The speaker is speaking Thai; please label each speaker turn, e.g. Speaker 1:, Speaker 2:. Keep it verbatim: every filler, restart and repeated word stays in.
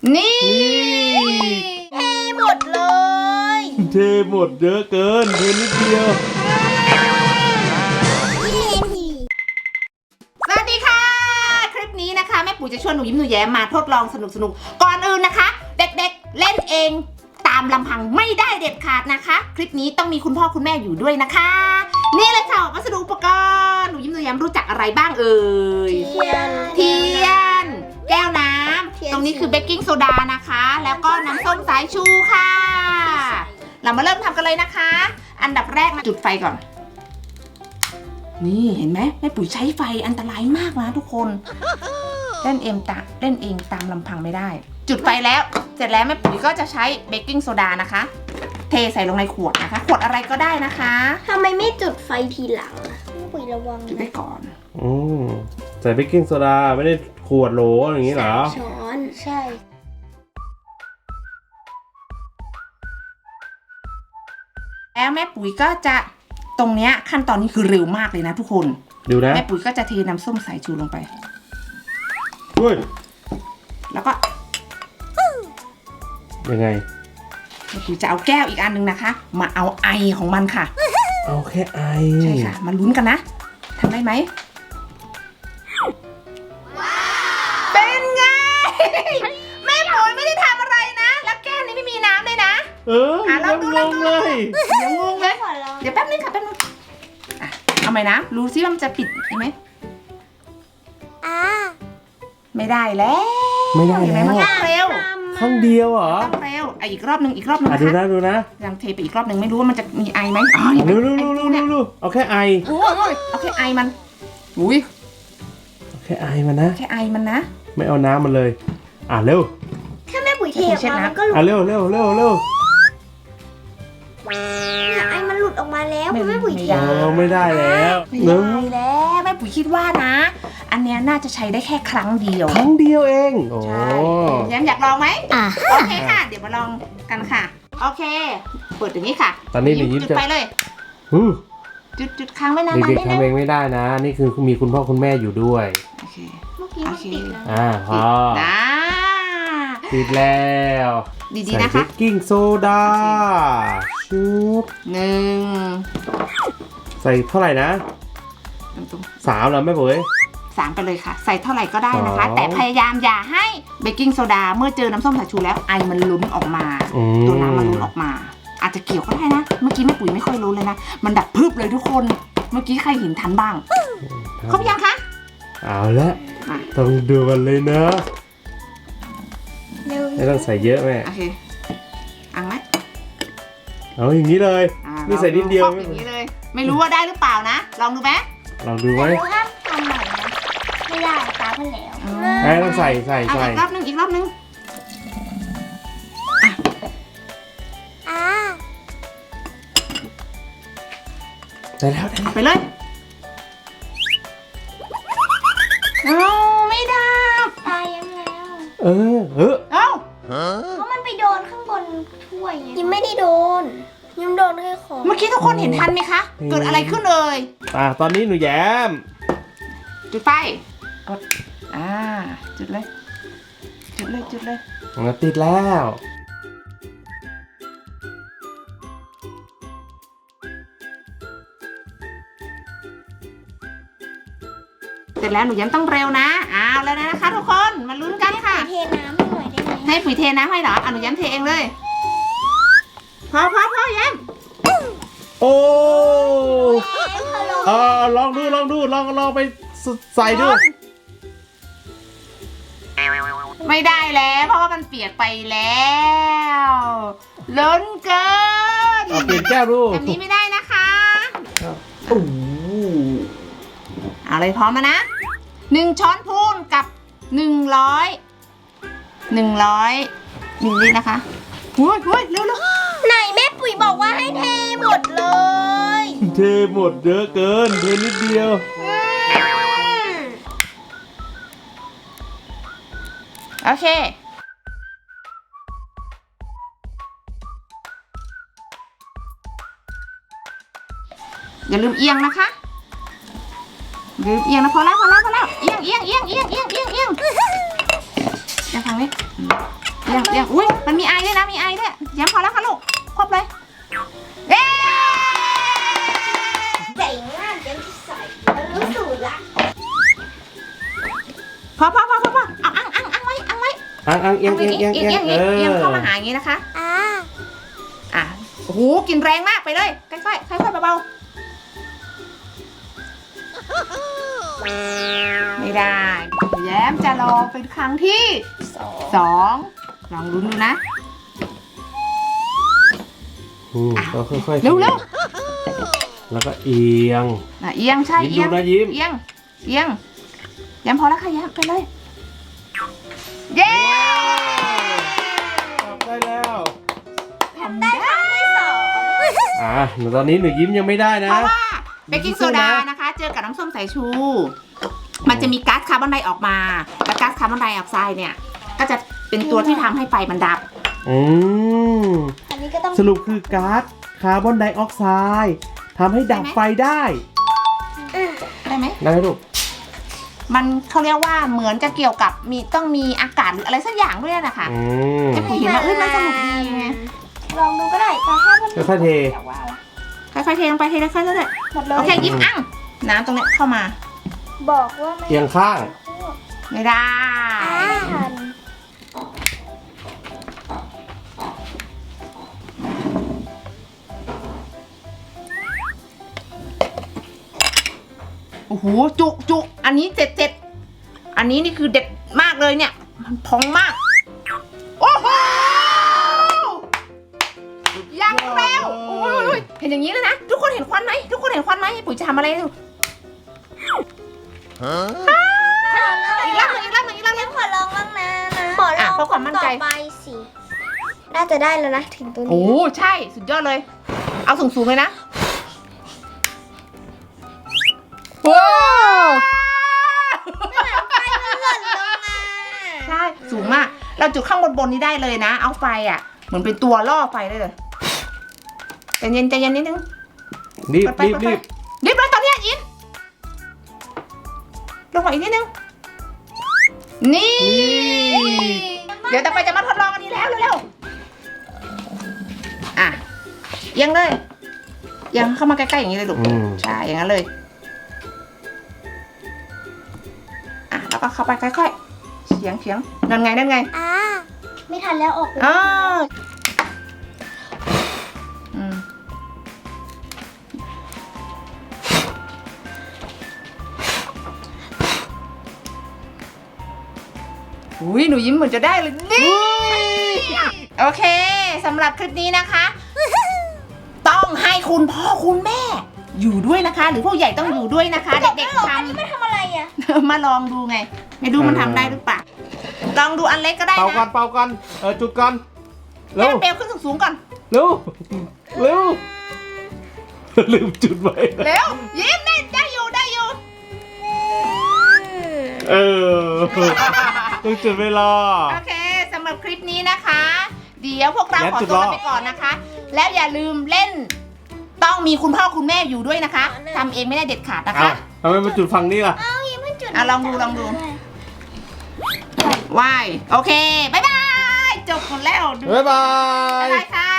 Speaker 1: นี่เทหมดเลย
Speaker 2: เทหมดเยอะเกินเทนิดเดียว
Speaker 1: สวัสดีค่ะคลิปนี้นะคะแม่ปุ๋ยจะชวนหนูยิ้มหนูแย้มมาทดลองสนุกสนุกก่อนอื่นนะคะเด็กๆเล่นเองตามลำพังไม่ได้เด็ดขาดนะคะคลิปนี้ต้องมีคุณพ่อคุณแม่อยู่ด้วยนะคะนี่เลยค่ะวัสดุอุปกรณ์หนูยิ้มหนูแย้มรู้จักอะไรบ้างเอ่ยเทียนเทียนแก้วน้ำตรงนี้คือเบกกิ้งโซดานะคะแล้วก็น้ำส้มสายชูค่ะเรามาเริ่มทำกันเลยนะคะอันดับแรกจุดไฟก่อนนี่เห็นไหมแม่ปุ๋ยใช้ไฟอันตรายมากนะทุกคนเล่นเองตาเล่นเองตามลำพังไม่ได้จุดไฟแล้วเสร็จแล้วแม่ปุ๋ยก็จะใช้เบกกิ้งโซดานะคะเทใส่ลงในขวดนะคะขวดอะไรก็ได้นะคะ
Speaker 3: ทำไมไม่จุดไฟทีหลังอะแม่ปุ๋ยระวัง
Speaker 1: จุดไว้ก่อน
Speaker 2: อืมใส่เบกกิ้งโซดาไม่ได้ขวดโหลอย่างนี้เหรอ
Speaker 3: ช้อนใช่
Speaker 1: แล้วแม่ปุ๋ยก็จะตรงเนี้ยขั้นตอนนี้คือเร็วมากเลยนะทุกคน
Speaker 2: ดูนะ
Speaker 1: แม่ปุ๋ยก็จะเทน้ำส้มสายชูลงไป
Speaker 2: ด้วย
Speaker 1: แล้วก็
Speaker 2: ยังไง
Speaker 1: แม่ปุ๋ยจะเอาแก้วอีกอันหนึ่งนะคะมาเอาไอของมันค่ะ
Speaker 2: เอาแค่ไอ
Speaker 1: ใช่ค่ะมาลุ้นกันนะทำได้ไหมเป็นไงแม่ปุ๋ยไม่ได้ทำอะไรนะแล้วแก้วนี้ไม่มีน้ำเลยนะ
Speaker 2: เออยังงงเลย
Speaker 1: เดี๋ยวงงเลยเดี๋ยวแป๊บนึงค่ะแป๊บนึงเอาไหมนะรู้ซิว่ามันจะปิดไหม
Speaker 3: อ่า
Speaker 1: ไม่ได้แล้ว
Speaker 2: ไม่ได้แล้ว
Speaker 1: มันต้องเร็ว
Speaker 2: ครั้งเดียวเหรอ
Speaker 1: ต้องเร็วอ่ะอีกรอบนึงอีกรอบนึงนะคะ
Speaker 2: ดูนะดูนะ
Speaker 1: ยังเทไปอีกรอบนึงไม่รู้ว่ามันจะมีไอไหมอ๋อ
Speaker 2: รู้รู้รู้รู้รู้เอาแค่ไอ
Speaker 1: โอ้ยเอาแค่ไอมันอุ้ย
Speaker 2: เอาแค่ไอมันนะ
Speaker 1: แค่ไอมันนะ
Speaker 2: ไม่เอาน้ำมันเลยอ่ะเร็ว
Speaker 3: แค่แม่ปุ๋ยเทออกมามันก็หลุด
Speaker 2: อ่ะเร็วเร็วเร็วเร็ว
Speaker 3: เนี่ยไอมันหลุดออกมาแล้วแม่ปุ๋ยเท
Speaker 2: เออไม่ได้แล้ว
Speaker 1: ไม่ได้แล้วแม่ปุ๋ยคิดว่านะอันเนี้ยน่าจะใช้ได้แค่ครั้งเดียว
Speaker 2: ครั้งเดียวเองโอ้
Speaker 1: แย้มอยากลองไหม
Speaker 3: อ่ะ
Speaker 1: โอเคค่ะเดี๋ยวมาลองกันค่ะโอเคเปิดอย่างนี้ค่ะ
Speaker 2: ตอนนี้หนูยิ้มจะ
Speaker 1: ไปเลยจุดจุดค้างไว้นานๆ
Speaker 2: เด็กๆทำเองไม่ได้นะนี่คือมีคุณพ่อคุณแม่อยู่ด้วย
Speaker 1: โอเค
Speaker 3: เมื่อกี้มันติดแล้ว
Speaker 2: อ่าพอติดแล้ว
Speaker 1: ดีๆนะคะ
Speaker 2: ใส่เบกกิ้งโซดาชุบ
Speaker 1: หนึ่ง
Speaker 2: ใส่เท่าไหร่นะสามเหรอแม่ปุ๋ย
Speaker 1: สามไปเลยค่ะใส่เท่าไหร่ก็ได้นะคะแต่พยายามอย่าให้เบกกิ้งโซดาเมื่อเจอน้ำส้มสายชูแล้วไอมันลุ้นออกมาตัวน้ำมันลุ้นออกมาอาจจะเกี่ยวก็ได้นะเมื่อกี้แม่ปุ๋ยไม่ค่อยรู้เลยนะมันดับพึบเลยทุกคนเมื่อกี้ใครเห็นทันบ้างครบยังคะ
Speaker 2: เอาละต้องดูกันเลยนะไม่ต้องใส่เยอะแม่
Speaker 1: โอเคอังไหม
Speaker 2: เอาอย่างนี้เลยนี่ใส่นิดเดียว
Speaker 1: อย่างนี้เลยไม่รู้ว่าได้หรือเปล่านะลองดูไหม
Speaker 2: ลองดูไหม
Speaker 3: ห้ามทำใหม่นะไม่ได้ตาเพิ่นแล้ว
Speaker 2: ไอ้ต้องใส่ใส่ใส่
Speaker 1: อีกรอบนึงอีกรอบนึง
Speaker 3: อ่า
Speaker 2: ได้แล้ว
Speaker 1: ไปเลยเอาไม่ได้
Speaker 3: ตายยังแล้ว
Speaker 2: เออเออ
Speaker 1: เอ้า
Speaker 3: เพราะมันไปโดนข้างบนถ้วยไงยังไม่ได้โดนยังโดนแค่คอ
Speaker 1: เมื่อกี้ทุกคนเห็นทันไหมคะเกิดอะไรขึ้นเลย
Speaker 2: อ่าตอนนี้หนูแย้ม
Speaker 1: จุดไฟกดอ่าจุดเลยจุดเลยจุดเลย
Speaker 2: มันติดแล้ว
Speaker 1: เสร็จแล้วหนูแย้มต้องเร็วนะอ้าวแล้วนะคะทุกคนมาลุ้นกันค่ะ
Speaker 3: เทน้ำให้หน่อยได้ไหม
Speaker 1: ให้ปุ๋ยเทน้ำให้เหรออ่ะหนูแย้มเทเองเลยพอพอพอแย้ม
Speaker 2: โอ้เออลองดูลองดูลองลองไปใส่ดู
Speaker 1: ไม่ได้แล้วเพราะว่ามันเปียกไปแล้วล้นเกิน
Speaker 2: เอาเปลี่ยนแก้วดู
Speaker 1: แบบนี้ไม่ได้นะคะโอ้เอาเลยพร้อมแล้วนะหนึ่งช้อนพูนกับหนึ่งร้อยหนึ่งร้อยมิลลิลิตรนะคะหุ้ยหุ้ยเร็วเร็ว
Speaker 3: ไหนแม่ปุ๋ยบอกว่าให้เทหมดเลย
Speaker 2: เทหมดเยอะเกินเทนิดเดียว
Speaker 1: โอเคอย่าลืมเอียงนะคะอย่าลืมเอียงนะพอแล้วพอแล้วพอแล้วเอียงเอียงเอียงเอียงเอียงเอียงเอียงจะฟังไหมเลี้ยงเลี้ยงอุ้ยมันมีไอด้วยนะมีไอด้วยแย้มพอแล้วค่ะลูกครบเลยเย้
Speaker 3: เจ๋งมากเจ๋งที่ใส่รู้สูตรละ
Speaker 1: พอพอพอพอพอเอาอังอังอังไว้อังไว้
Speaker 2: อังอังเอียงเอียงเอียง
Speaker 1: เอี
Speaker 2: เอี
Speaker 1: ย
Speaker 2: ย
Speaker 1: ง
Speaker 2: ง
Speaker 1: เอียง
Speaker 2: เอ
Speaker 1: เอียง
Speaker 2: อ
Speaker 1: เข้ามาหาอย่างนี้นะคะ
Speaker 3: อ่า
Speaker 1: อ่ะโอ้โหกินแรงมากไปเลยค่อยๆค่อยๆเบาๆไม่ได้แย้มจะลองเป็นครั้งที่
Speaker 3: สอง
Speaker 1: สองลองลุ้นดูนะ
Speaker 2: อืมก็ค่อยๆ
Speaker 1: เร็วเร็ว
Speaker 2: แล้วก็เอียง
Speaker 1: อ่ะเอียงใช่
Speaker 2: ยิ้ม
Speaker 1: เอียง
Speaker 2: ดูนะยิ้ม
Speaker 1: เอียงเอียงแย้มพอแล้วค่ะแย้มไปเลยเย้
Speaker 2: ทำได้แล้ว
Speaker 1: ทำได้
Speaker 3: ที่สอง
Speaker 2: อ่ะตอนนี้หนูยิ้มยังไม่ได้นะ
Speaker 1: เพราะว่าเบกกิ้งโซดานะคะ เจอกับน้ำส้มสายชู มันจะมีก๊าซคาร์บอนไดออกมา และก๊าซคาร์บอนไดออกไซด์เนี่ย ก็จะเป็นตัวที่ทำให้ไฟมันดับ
Speaker 2: อืม
Speaker 3: อันนี้ก็ต้อง
Speaker 2: สรุปคือก๊าซคาร์บอนไดออกไซด์ทำให้ดับไฟได้
Speaker 1: ได้ไหม
Speaker 2: ได้ไหมลูก
Speaker 1: มันเขาเรียกว่าเหมือนจะเกี่ยวกับมีต้องมีอากาศหรืออะไรสักอย่างด้วยนะคะ
Speaker 2: อืม
Speaker 1: จะเห็นว่าเอ้ยมันสนุกดีไง
Speaker 3: ลองดูก็ได้แต่ถ้ามัน
Speaker 2: ค่อยๆเท
Speaker 1: ค่อยๆเทลงไปเทค่อยๆเรื่อย
Speaker 3: หมดเล
Speaker 1: ๆ
Speaker 3: ย
Speaker 1: โอเคยิ้มอั้งน้ำตรงเนี้ยเข้ามา
Speaker 3: บอกว่าไม่
Speaker 2: เอียงข้าง
Speaker 1: ไม่ได้
Speaker 3: ทัน
Speaker 1: โอ้โหจุจุอันนี้เจ็ดเจ็ดอันนี้นี่คือเด็ดมากเลยเนี่ยมันพองมากโอ้โหยังเร็วโอ้ยเห็นอย่างนี้เลยนะทุกคนเห็นควันไหมทุกคนเห็นควันไหมปุ๋ยจะทำอะไรดูอีกรอบหนึงอีกรอบหนึงอีกรอบหนึง
Speaker 3: ขอลองบ้างนะนะขอล
Speaker 1: อ่ะ
Speaker 3: อง
Speaker 1: เพื่อความมั่นใจ
Speaker 3: ต่อไปสิน่าจะได้แล้วนะถึงตัว
Speaker 1: โอ้
Speaker 3: นี้
Speaker 1: ใช่สุดยอดเลย เอาสูงสูงๆเลยนะว้าว
Speaker 3: ไฟมันหล่นลงมา
Speaker 1: ใช่สูงมาก เราจุดข้างบนบนๆนี้ได้เลยนะ เอาไฟอ่ะ เหมือนเป็นตัวล่อไฟได้เลยใจเย็นใจเย็นนิดนึง
Speaker 2: รีบ
Speaker 1: เปิดไฟ
Speaker 2: รีบ
Speaker 1: เปิดไฟ
Speaker 2: รีบ
Speaker 1: รีบเลยตอนเนี้ยยินลงมาอีกนิดนึงนี่ เดี๋ยวต่อไปจะมาทดลองอันนี้แล้วเร็วๆอ่ะเอียังเลยเอียังเข้ามาใกล้ๆอย่างนี้เลยลูก
Speaker 2: อืม
Speaker 1: ใช่อย่างนั้นเลยอ่ะแล้วก็เข้าไปค่อยๆเฉียงเฉียงนั่นไงนั่นไง
Speaker 3: อ่าไม่ทันแล้วออกไป
Speaker 1: อ๋ออืมอุ้ยหนูยิ้มเหมือนจะได้เลยนี่โอเคสำหรับคลิปนี้นะคะ ต้องให้คุณพ่อคุณแม่ อยู่ด้วยนะคะ หรือผู้ใหญ่ต้องอยู่ด้วยนะคะ เด็กๆท
Speaker 3: อันนี้ไม่ทำอะไรอ่ะ
Speaker 1: ำ มาลองดูไง ไม่รู้มันทำได้หรือเปล่าลองดูอันเล็กก็ได้
Speaker 2: เป่ากัน
Speaker 1: นะ
Speaker 2: เป่ากันเออจุดกันเร็
Speaker 1: ให้
Speaker 2: ว
Speaker 1: มันเปลวขึ้นสูงๆก่อน
Speaker 2: เร็วเร็วลืมจุดไว้
Speaker 1: เร็วยิ้มได้ได้อยู่ได้อยู่
Speaker 2: เออต้องจุดเวลา
Speaker 1: โอเคสำหรับคลิปนี้นะคะ เดี๋ยวพวกเรา
Speaker 2: แย้ม
Speaker 1: ขอ
Speaker 2: จุด
Speaker 1: ตัว
Speaker 2: รอ
Speaker 1: กันไปก่อนนะคะ แล้วอย่าลืมเล่น ต้องมีคุณพ่อคุณแม่อยู่ด้วยนะคะทำเองไม่ได้เด็ดขาดนะ
Speaker 2: อ้า
Speaker 1: คะ
Speaker 2: วทำไมมาจุดฝั่งนี้ล่ะ
Speaker 3: เอายิ้มให้จุด
Speaker 1: อ่ะลองดูลองดูวายโอเคบายบายจบหมดแล้วดู
Speaker 2: บ๊ายบา
Speaker 1: บ๊าย
Speaker 2: ย
Speaker 1: บายค่ะ